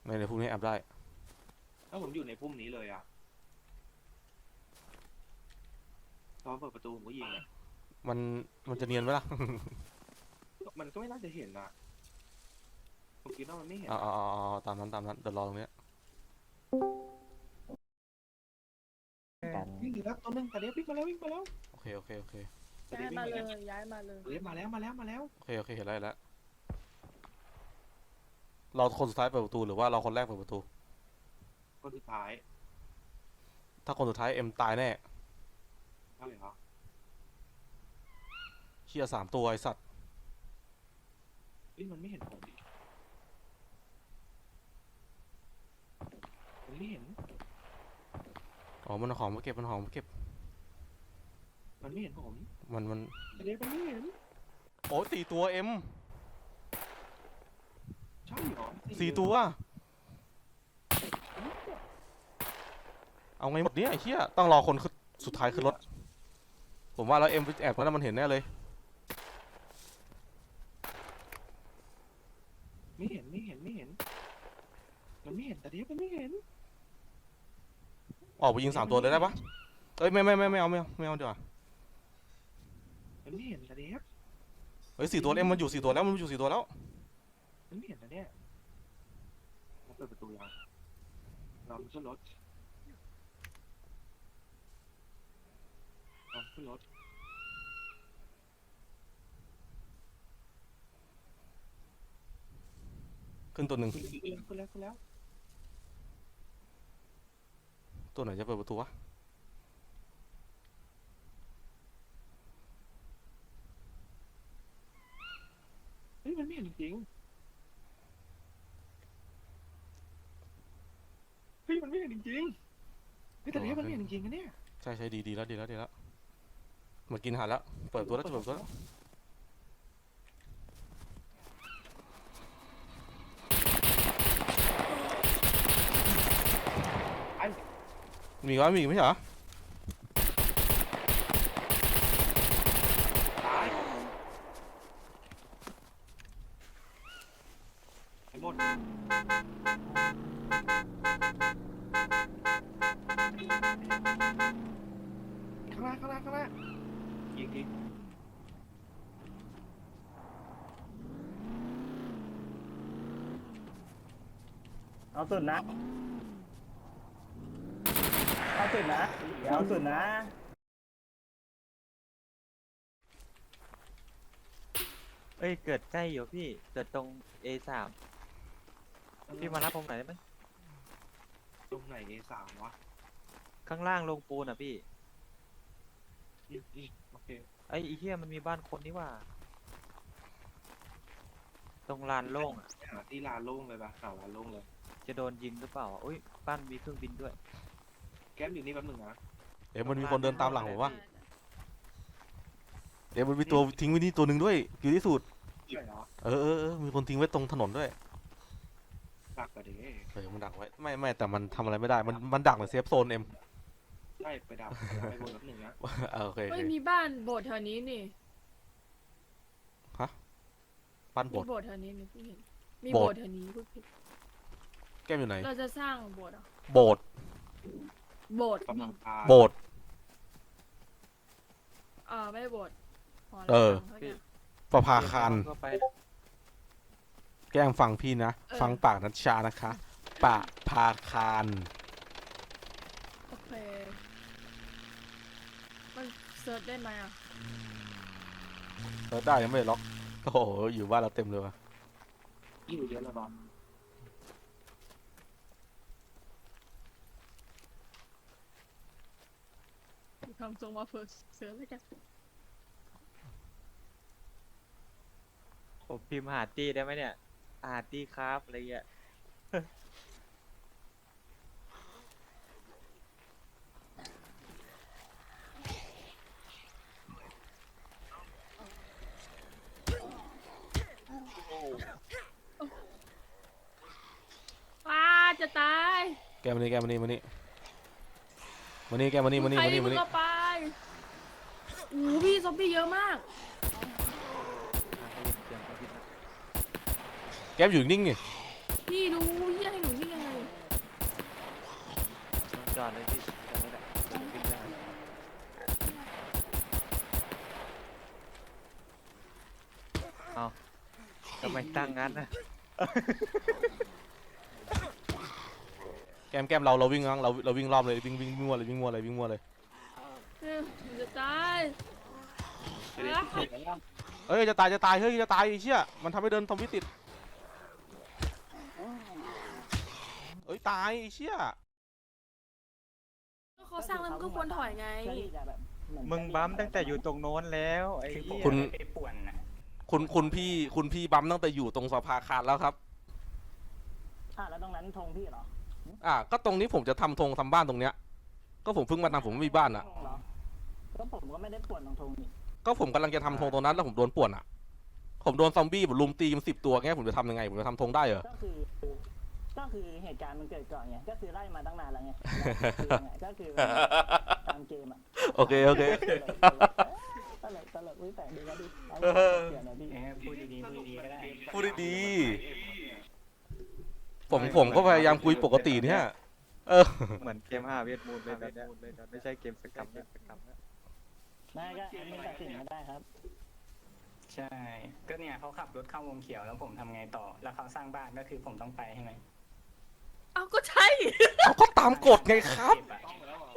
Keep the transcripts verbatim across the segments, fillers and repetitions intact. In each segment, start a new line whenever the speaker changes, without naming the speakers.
ไม่ในพุ่มนี้แอบได้
ถ้าผมอยู่ในพุ่มนี้เลยอะตอนเปิดประตูผมก็ยิงอะ
มันมันจะเนียนไหมล่ะ
มันก็ไม่น่าจะเห็นนะผมคิดว่ามันไม่เห็น
เอ๋อาเอาตามนั้นตามนั้นเดี๋ยวรอตรงเนี้ย
กัน
วิ่งอยู่แล้วตัวนึงแต่เดี๋ยววิ่งมาแล้ววิ่งมาแล้ว
โอเคโอเคโอเค
แต่
ย้า
เดี๋ย
ยว
วิ่ง
มา
มา
เล
แล้ว
ยย้ายมาเลย
เดี๋ยวมาแล้วมาแล้วมาแล้ว
โอเคโอเคเห็นแล้วเห็นแล้วเราคนสุดท้ายเปิดประตูหรือว่าเราคนแรกเปิดประตู
คนสุดท้าย
ถ้าคนสุดท้ายเอ็มตายแน่
ใช่เหรอ
เชี่ยสามตัวไอสัตว์
เฮ้ยมันไม่เห็นผมดิมันไม่เห็น
อ๋อมันเอาของมาเก็บมันเอาของมาเก็บ
มันไม่เห็นผม
มันมัน
แต่เดี๋ยวมันไม่เห็น
โอ้สี่ตัวเอ็ม
ใช่เหรอ
สี่ตัวเอาไงหมดเนี้ยไอ้เชี่ยต้องรอคนขึ้นสุดท้ายขึ้นรถผมว่าแล้วเอ็มแอบแล้วมันเห็นแน่เลย
ไม่เห็นไม่เห็นไม่เห็นมันไม่เห็นแต่เดี๋ยวมันไม่เห็น
ออกไปยิงสามตัวเลยได้ปะเอ้ยไม่ไม่ไม่ไม่เอาไม่เอาไม่เอาดีกว่า
มันไม่เห็นแต่เดี๋ยว
เฮ้ยสี่ตัวเอ็มมันอยู่สี่ตัวแล้วมันอยู่สี่ตัวแล้ว
มันไม่เห็นแต่เนี่ยเราเปิดประตูยังเราขึ้นรถเราขึ้นรถ
ขึ้นตัวหนึ่ง
ขึ้นแล้วขึ้นแล้วขึ้นแล้ว
ตัวไหนจะเปิดประตูวะ
เฮ้ยมันไม่เห็นจริงเฮ้ยมันไม่เห็นจริงเฮ้ยแต่เดี๋ยวมันไม่เห็นจริงนะเนี่ย
ใช่ใช่ดีดีแล้วดีแล้วดีแล้วมากินอาหารแล้วเปิดตัวแล้วจะเปิดตัวแล้วมีวะมีอีกไม่ใช่เหรอ
ตายไอ้หมดข้างหน้าข้างหน้าข้างหน้ายิงยิง
เอาสุดนะเอาสุดนะอย่าเอาสุดนะ
เอ้ยเกิดใกล้อยู่พี่เกิดตรง เอ สาม พี่มารับผมหน่อยได้ไหม
ตรงไหน เอ สาม วะ
ข้างล่างลงปูนอ่ะพี่
ยิงยิงโอเค
ไอ้อีเหี้ยมันมีบ้านคนนี่ว่า ตรงลานโล่งอ่ะ
หาที่ลานโล่งเลยปะหาลานโล่งเลย
จะโดนยิงหรือเปล่าอ่ะอุ้ยบ้านมีเครื่องบินด้วย
แก๊ปอยู่นี่แป๊บนึงนะ
เอ็มมันมีคนเดินตามหลังผมวะเอ็มมันมีตัวทิ้งไว้นี่ตัวหนึ่งด้วยอยู่ที่สุด
ใช่เหรอ
เออเออเออมีคนทิ้งไว้ตรงถนนด้วย
ดักกระเด้
เออมันดักไว้ไม่ไม่แต่มันทำอะไรไม่ได้มันมันดักในเซฟโซนเอ็ม
ใช่ไปดักไปบนแป๊บนึงนะ
เออโอเคโอ
เฮ้ย
เค
มีบ้านโบสถ์แถวนี้นี่
ปั้นโบ
มี
สถ์
โบสถ์แถวนี้นี่พี่เห็นมี
โบ
โบ
ส
ส
ถ์
ถ์แถวนี้พูดผิด
แก้มอยู่ไหน
เราจะสร้างโบสถ์เหรอ
โบสถ์
โบสถ์
กำลังพา
โบสถ์
เออไม่ได้โบสถ์หอระ
เออ
ฆังสักอย่าง
ประภาคาร
เข้าไป
แกล้งฟังพี่นะ
เออ
ฟังปากนัชชานะคะปะพาคาร
โอเคมันเซิร์ชได้ไหมอ่ะ
เออได้ยังไม่ได้ล็อกโอ้โหอยู่บ้านเราเต็มเลยว่ะ
อยู่เยอะแล้วบอล
ทำทรงมาเฟิร์สเซิร์ชแล้วกัน
ผมพิมพ์หาตี้ได้ไหมเนี่ยหาตี้ครับอะไรเงี้ย
ว้าจะตาย
แกมานี่แกมานี่มานี่มานี่แกมานี่มานี่
ใคร
มานี่
มึ
มาง นี่
เอาไปโอ้โหพี่ซอมบี้เยอะมาก
แกมอยู่นิ่งๆนี่
พี่ดูพี่ให้หนูนิ่
จอดเลยพี่จอดไม่ได้เดี๋ยวขึ้นได้เอาทำไมตั้งงั้นนะ
แกมแกมเราเราวิ่งงั้งเราเราวิ่งรอบเลยวิ่งวิ่งวิ่งมัวเลยวิ่งมัวเลยวิ่งมัวเลย
เออมันจะตาย
จะได้ที่เห็นแล้ว
เอ้ยจะตายจะตายเฮ้ยจะตายไอ้เชี่ยมันทำให้เดินทอมวิติดเอ้ยตายไอ้เชี่ย
ก็เขาสร้างแล้วมันก็ควรถอยไง
เพื่อที่จะแบบเหอน
มึงบัมตั้งแต่อยู่ตรงโน้นแล้วไอ้เหี้ย
คุณ
ไปป่วนนะ
คุณคุณพี่คุณพี่บัมตั้งแต่อยู่ตรงสภาคารแล้วครับ
อ่ะแล้วตรงนั้นธงพี่เหรอ
อ่ะก็ตรงนี้ผมจะทำธงทำบ้านตรงเนี้ยก็ผมเพิ่งมาทำผมไม่มีบ้านอ่ะ
ธงเหรอก็ผมก็ไม่ได้ป่วนตรงธงนี่
ก็ผมกำลังจะทำธงตรงนั้นแล้วผมโดนป่วนอ่ะ ผมโดนซอมบี้ผมลุมตีมันสิบตัวแง่ผมจะทำยังไงผมจะทำธงได้เหรอ
ก็คือ ก็คือเหตุการณ์มันเกิดก่อนไงก็คือไล่มาตั้งนานแล้วไงแล้วคือยังไงก็คือตามเกมอ่ะ
โอเคโอเค
ตลกตลกอุ้ยแต่ดีก็ดีเอา
เออ
เสียหน่อยพี่
เออพูดดีๆพูดดีๆก็ได้
พูดดีๆผมผมก็พยายามคุยปกติเนี่ยเออ
เหมือนเกมห้าเวทมูลเลยตอนเนี้ยไม่ใช่เกมสกรรมแล้วสกรรมแล้ว
ไม่ก็แอดมินตัดสินไม่ได้ครับ
ใช่ ก็เนี่ยเขาขับรถเข้าวงเขียวแล้วผมทำไงต่อ แล้วเขาสร้างบ้านก็คือผมต้องไปใช่ไหม
เอาก็ใช่
เอาก็ตามกฎไงครับ
เก็อะ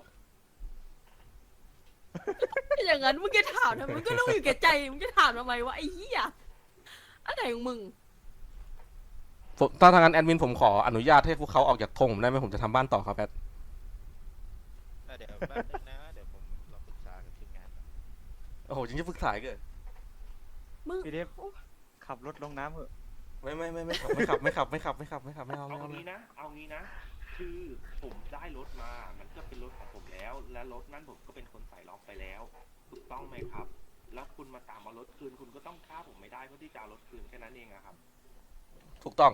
อย่างนั้นมึงจะถามทำไมมึงก็รู้อยู่แก่ใจมึงจะถามทำไมวะไอ้เหี้ยอะไรของมึง
ผมถ้าทางนั้นแอดมินผมขออนุญาตให้พวกเขาออกจากธงผมได้ไหมผมจะทำบ้านต่อครับแอด
เออเดี๋ยวแป๊บนึงนะ เดี๋ยวผมลองปรึกษากับทีมงานก่อน
โอ้โหจริงๆฝึกสายเกิน
มึง
พี่เดฟขับรถลงน้ำเหอะ
ไม่ไม่ไม่ไม่ขับไม่ขับไม่ขับไม่ขับไม่ขับไม่ขับไม่เอา
เอา
ไม่เอาไม่
งี้
เอา
นะ เอางี้นะ คือผมได้รถมา มันก็เป็นรถของผมแล้ว และรถนั้นผมก็เป็นคนใส่ล็อกไปแล้ว ถูกต้องไหมครับ แล้วคุณมาตามเอารถคืน คุณก็ต้องฆ่าผมไม่ได้เพื่อที่จะเอารถคืนแค่นั้นเองอะครับ
ถูกต้อง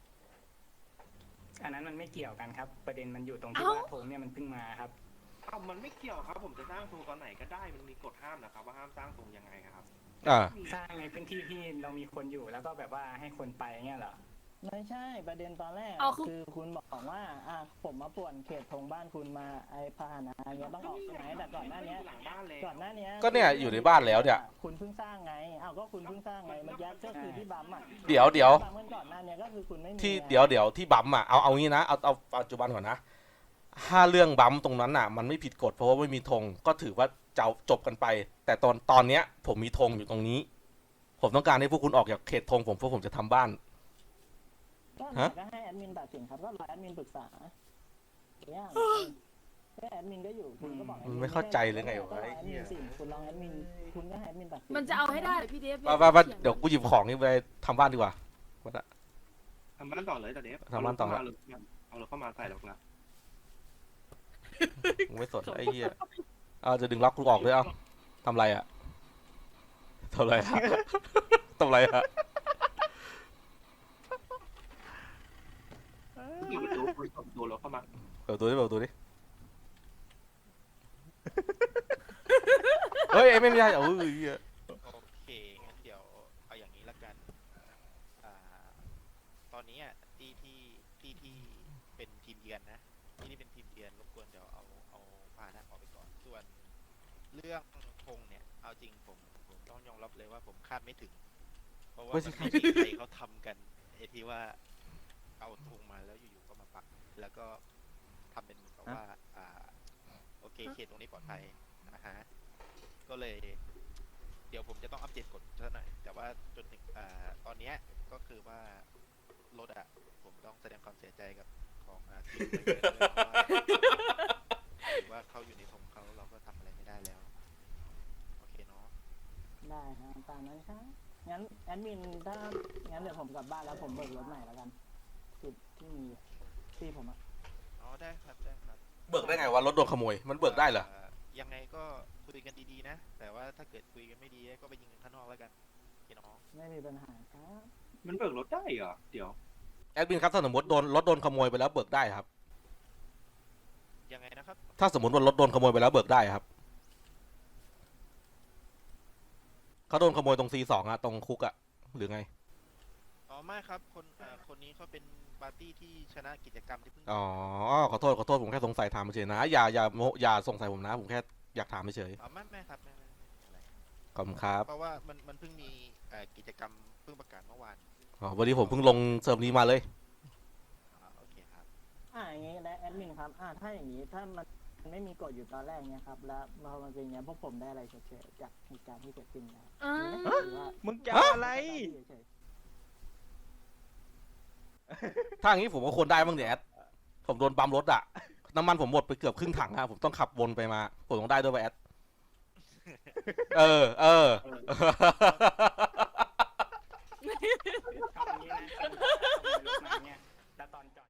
อันนั้นมันไม่เกี่ยวกันครับ ประเด็นมันอยู่ตรงที่
เอ้า
ว่าผมเนี่ยมันเพิ่งมาครับ
เอ้ามันไม่เกี่ยวครับ ผมจะสร้างตรงตอนไหนก็ได้ มันมีกฎห้ามนะครับ ว่าห้ามสร้างตรงยังไงครับ
อ่า
สร้างในพื้นที่ที่เรามีคนอยู่แล้วก็แบบว่าให้คนไปเงี้ยเหรอ
ไม่ใช่ประเด็นตอนแรก
เอาคือ
คือคุณบอกว่าอ่ะผมมาป่วนเขตธงบ้านคุณมาไอ้พาหนะเงี้ยต้องออกใช่ไหมแต่ก่อนหน้าเนี้ย
หลังบ้านเลย
ก่อนหน้านี้
ก็เนี่ยอยู่ในบ้านแล้วเนี่ย
คุณเพิ่งสร้างไงอ้าวก็คุณเพิ่งสร้างไงเมื่อกี้ก็คือที่บัมอ่ะ
เดี๋ยวเดี๋ยว
บัมเมื่อก่อนหน้านี้ก็คือคุณไม่มี
ที่
ไง
เดี๋ยวเดี๋ยวที่บัมอ่ะเอาเอางี้นะเอาเอาปัจจุบันก่อนนะถ้าเรื่องบัมตรงนั้นอ่ะ มันไม่ผิดกฎเพราะว่าไม่มีธงก็ถือว่าจะจบกันไป แต่ตอนตอนเนี้ย ผมมีธงอยู่ตรงนี้ ผมต้องการให้พวกคุณออกจากเขตธงผมเพราะผมจะทำบ้าน
ก็
ฮะ
ก็ให้แอดมินตัดสินครับก็รอแอดมินปรึกษาเนี่ยก็แอดมินก็อยู่คุณก็บอกแอด
มันไม่เข้าใจเลยไงวะ
ก็รอ
ไอ้
แอด
เหี้
มิ
ย
นสิคุณลองแอดมินคุณก็ให้แอดมินตัดสิน
มันจะเอาให้ได้เหรอพี่เดฟ
ไปไปไปเดี๋ยวกูหยิบของนี่ไปทำบ้านดีกว่าวัดอะ
ทำบ้านต่อเลยแต่เดฟ
ทำบ้านต่อ
เอารถเข้ามาเอารถเข้ามาใส่ล็อกละ
มึงไม่สนไอ้เหี้ยเอาจะดึงล็อกกูออกด้วยเอาทำไรอะทำไรอะทำไรอะ
ปิดประตูเปิดประตูรถเข้ามา
เปิดประตูดิเปิดประตูดิเฮ้ยเอ็มไม่ได้เอาเฮ้ยเหี้ย
โอเค งั้นเดี๋ยวเอาอย่างนี้ละกัน อ่า ตอนนี้อ่ะที่ที่ที่ที่เป็นทีมเยือนนะ ที่นี่เป็นทีมเยือนรบกวนเดี๋ยวเอาเอาพาหนะออกไปก่อน ส่วนเรื่องธงเนี่ย เอาจริงผมผมต้องยอมรับเลยว่าผมคาดไม่ถึง เพราะว่ามันไม่มีใครเขาทำกันไอ้ที่ว่าเอาธงมาแล้วอยู่ๆก็มาปัก แล้วก็ทำเป็นเหมือนกับว่า อ่า โอเคเขตตรงนี้ปลอดภัยนะฮะ ก็เลย เดี๋ยวผมจะต้องอัปเดตกฎซะหน่อย แต่ว่าจนถึงอ่าตอนเนี้ยก็คือว่ารถอะผมต้องแสดงความเสียใจกับของอ่าทีมไปเยอะเลยเพราะว่าถือว่าเขาอยู่ในธงเขาเราก็ทำอะไรไม่ได้แล้ว โอเคเนาะ
ได้ฮะตามนั้นครับงั้นแอดมินถ้างั้นเดี๋ยวผมกลับบ้านแล้วผมเบิกรถใหม่แล้วกันจุดที่มีที่ผมอะ
อ๋อได้ครับได้ครับ
เบิกได้ไงวะรถโดนขโมยมันเบิกได้เหรอ
ายังไงก็คุยกันดีๆนะ แต่ว่าถ้าเกิดคุยกันไม่ดีก็ไปยิงกันข้างนอกแล้วกันพี่น้อง
ไม่มีปัญหาครับ
มันเบิกรถได้เหรอ เดี๋ยว
แอดมินครับถ้าสมมติโดนรถโดนขโมยไปแล้วเบิกได้ครับ
ยังไงนะครับ
ถ้าสมมติว่ารถโดนขโมยไปแล้วเบิกได้ครับเขาโดนขโมยตรง ซี สอง อะตรงคุกอะหรือไง
อ๋อไม่ครับคนเอ่อคนนี้เขาเป็นปาร์ตี้ที่ชนะกิจกรรมที่เพิ่ง
อ๋อขอโทษขอโทษผมแค่สงสัยถามเฉยๆนะอย่าอย่าโมอย่าสงสัยผมนะ ผมแค่อยากถามเฉย
อ๋อไม่ไม่ครับไม่ไม่ไม่ไม่อะไร
ๆขอบคุณครับ
เพราะว่ามันมันเพิ่งมีเอ่อกิจกรรมเพิ่งประกาศเมื่อวาน
อ๋อวันนี้ผมเพิ่งลงเซิร์ฟนี้มาเลย
อ่าโอเคครับ
อ่าอย่างงี้และแอดมินครับอ่าถ้าอย่างนี้ถ้ามันมันไม่มีกฎอยู่ตอนแรกเนี่ยครับแล้วพอมันเป็นอย่างเงี้ยพวกผมได้อะไรเฉยๆจากเหตุการณ์ที่เกิดขึ้นนะครับ
อ่า
หรือว่า
มึงจะเอาอะไร
เฉย
ถ้าอย่างนี้ผมก็ควรได้บ้างเนี่ยแอดผมโดนบัมรถอะน้ำมันผมหมดไปเกือบครึ่งถังอะผมต้องขับวนไปมา ผมต้องได้ด้วยป่ะแอด เออ เออ
เอาอย่างนี้นะตอนขโมยรถมาเนี่ยแล้วตอนจอด